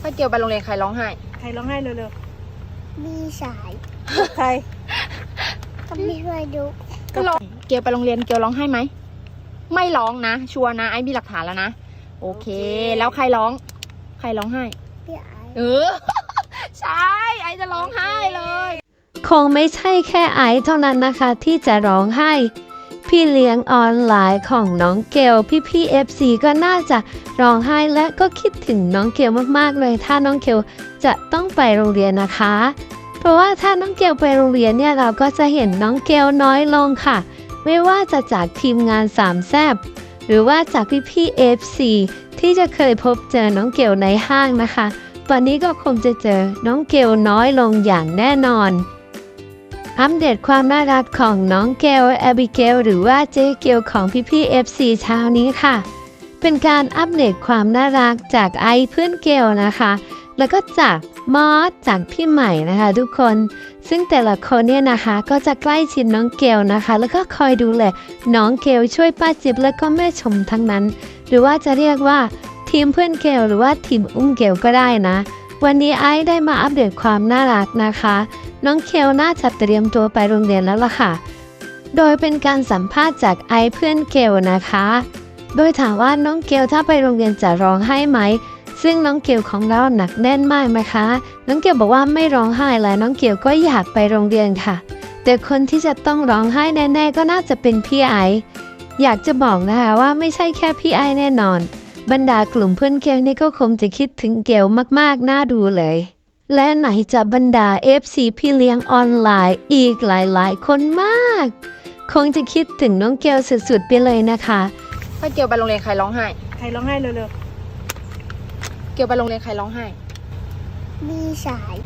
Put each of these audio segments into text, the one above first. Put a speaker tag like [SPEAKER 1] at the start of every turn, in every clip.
[SPEAKER 1] ป้าเกียวไปโรงเรียนใครร้องไห้
[SPEAKER 2] ใครร้องไห้เร็ว
[SPEAKER 3] มีสาย
[SPEAKER 2] ๆใคร
[SPEAKER 3] ก็ไม่ช่วยดู
[SPEAKER 1] ก็ร้องเกียวไปโรงเรียนเกียวร้องไห้ไหมไม่ร้องนะชัวร์นะไอ้มีหลักฐานแล้วนะโอเคแล้วใครร้องไห้
[SPEAKER 3] พี่ไอ
[SPEAKER 1] ใช่ไอ้จะร้องไห้เลย
[SPEAKER 4] คงไม่ใช่แค่ไอซ์เท่านั้นนะคะที่จะร้องไห้พี่เลี้ยงออนไลน์ของน้องเกลพี่FC ก็น่าจะร้องไห้และก็คิดถึงน้องเกลมากๆเลยถ้าน้องเกลจะต้องไปโรงเรียนนะคะเพราะว่าถ้าน้องเกลไปโรงเรียนเนี่ยเราก็จะเห็นน้องเกลน้อยลงค่ะไม่ว่าจะจากทีมงานสามแซ่บหรือว่าจากพี่ FC ที่จะเคยพบเจอน้องเกลในห้างนะคะตอนนี้ก็คงจะเจอน้องเกลน้อยลงอย่างแน่นอนอัปเดตความน่ารักของน้องเกลแอบิเกลหรือว่าเจ๊เกลของพี่FC เช้านี้ค่ะเป็นการอัปเดตความน่ารักจากไอเพื่อนเกลนะคะแล้วก็จากมอสจากพี่ใหม่นะคะทุกคนซึ่งแต่ละคนเนี่ยนะคะก็จะใกล้ชิดน้องเกลนะคะแล้วก็คอยดูแลน้องเกลช่วยป้าจิ๊บแล้วก็แม่ชมทั้งนั้นหรือว่าจะเรียกว่าทีมเพื่อนเกลหรือว่าทีมอุ้มเกลก็ได้นะวันนี้ไอได้มาอัปเดตความน่ารักนะคะน้องเกลน่าจะเตรียมตัวไปโรงเรียนแล้วล่ะค่ะโดยเป็นการสัมภาษณ์จากไอเพื่อนเกลนะคะโดยถามว่าน้องเกลถ้าไปโรงเรียนจะร้องไห้ไหมซึ่งน้องเกลของเราหนักแน่นมากนะคะน้องเกลบอกว่าไม่ร้องไห้แล้วน้องเกลก็อยากไปโรงเรียนค่ะแต่คนที่จะต้องร้องไห้แน่ๆก็น่าจะเป็นพี่ไออยากจะบอกนะคะว่าไม่ใช่แค่พี่ไอแน่นอนบรรดากลุ่มเพื่อนเกลนี่ก็คงจะคิดถึงเกลมากๆน่าดูเลยและไหนจะบรรดา FC พี่เลี้ยงออนไลน์อีกหลายๆคนมากคงจะคิดถึงน้องเกลสุดๆไปเลยนะคะ
[SPEAKER 1] ป้าเกียวไปโรงเรียนใครร้องไห้
[SPEAKER 2] ใครร้องไห้เร็ว
[SPEAKER 1] เกียวไปโรงเรียนใครร้องไห้
[SPEAKER 3] มีสาย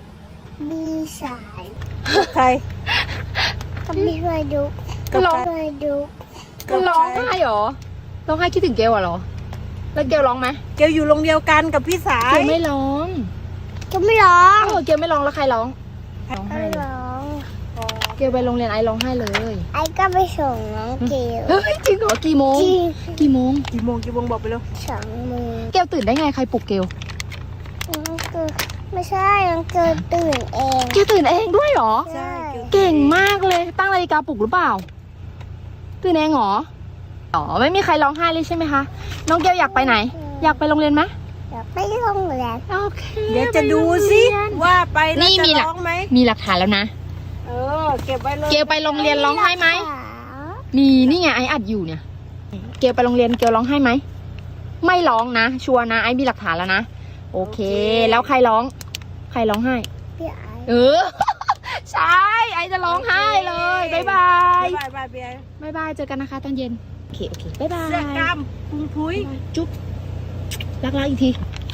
[SPEAKER 2] ใคร
[SPEAKER 3] ก็ไม่ช่วยดู
[SPEAKER 1] ก็ร้อง
[SPEAKER 3] ช่วยดู
[SPEAKER 1] ก็ร้องไห้เหรอร้องไห้คิดถึงเกลเหรอแล้วเกลร้องไหม
[SPEAKER 2] เกลอยู่โรงเดียวกันกับพี่สา
[SPEAKER 1] เก
[SPEAKER 2] ย
[SPEAKER 1] ลไม่ร้อง
[SPEAKER 3] ก็ไม่ร้อง
[SPEAKER 1] เกลไม่ร้องแล้วใครร้องร้องไห้
[SPEAKER 3] ไม่
[SPEAKER 1] เลย
[SPEAKER 3] ร้อง
[SPEAKER 1] เกลไปโรงเรียนไอร้องไห้เลย
[SPEAKER 3] ไอก็ไปส่งน้องเกล
[SPEAKER 1] เฮ้ยจริงเหรอกี่โมง
[SPEAKER 3] จริง
[SPEAKER 1] กี่โมง
[SPEAKER 2] กี่โมงบอกไปเร็ว
[SPEAKER 3] 2 โมง
[SPEAKER 1] เกลตื่นได้ไงใครปลุกเกล
[SPEAKER 3] น้องเกลไม่ใช่น้องเกลตื่นเอง
[SPEAKER 1] เกลตื่นเองด้วยเหรอ
[SPEAKER 3] ใช่
[SPEAKER 1] เก่งมากเลยตั้งนาฬิกาปลุกหรือเปล่าตื่นเองเหรอไม่มีใครร้องไห้เลยใช่ไหมคะน้องเกลอยากไปไหนอยากไปโรงเรียนไหม
[SPEAKER 3] อยากไปโรงเรียน
[SPEAKER 1] โอเค
[SPEAKER 2] เดี๋ยวจะดูสิว่าไปแล้วจะร้องไหม
[SPEAKER 1] มีหลักฐานแล้วนะ
[SPEAKER 2] เก็บไว้เลย
[SPEAKER 1] เกลไปโรงเรียนร้องไห้ไหมมีนี่ไงไออัดอยู่เนี่ยเกลไปโรงเรียนเกลร้องไห้ไหมไม่ร้องนะชัวร์นะไอมีหลักฐานแล้วนะโอเคแล้วใครร้องไห้
[SPEAKER 3] พี่ไอ
[SPEAKER 1] ใช่ไอจะร้องไห้เลยบ๊ายบาย
[SPEAKER 2] บ๊ายบาย
[SPEAKER 1] เจอกันนะคะตอนเย็นโอเคบ๊ายบาย
[SPEAKER 2] เสื้อกล้ามพุงพุ้ย
[SPEAKER 1] จุ๊บรักอีกที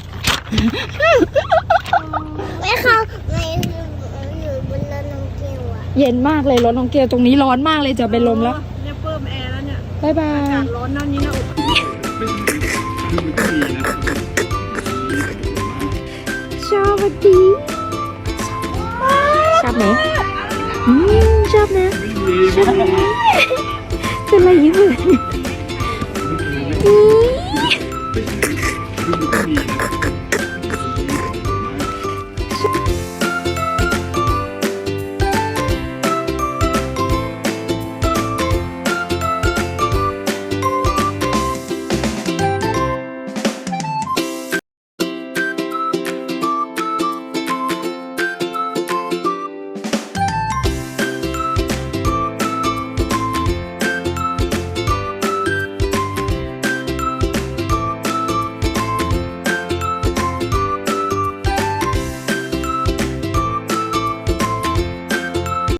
[SPEAKER 3] ไม่เข้าไม่อยู่บนรถน้องเกลอะ
[SPEAKER 1] เย็นมากเลยรถน้องเกลตรงนี้ร้อนมากเลยจะเป็นลมแล้ว
[SPEAKER 2] เนี่ยเพิ่มแอร์แล้วเนี่ย
[SPEAKER 1] บ๊ายบาย
[SPEAKER 2] อากาศร้อนนั่นนี่นะ
[SPEAKER 1] ชอบดีชอบไหมชอบนะเป็นอะไรยิ้มเลย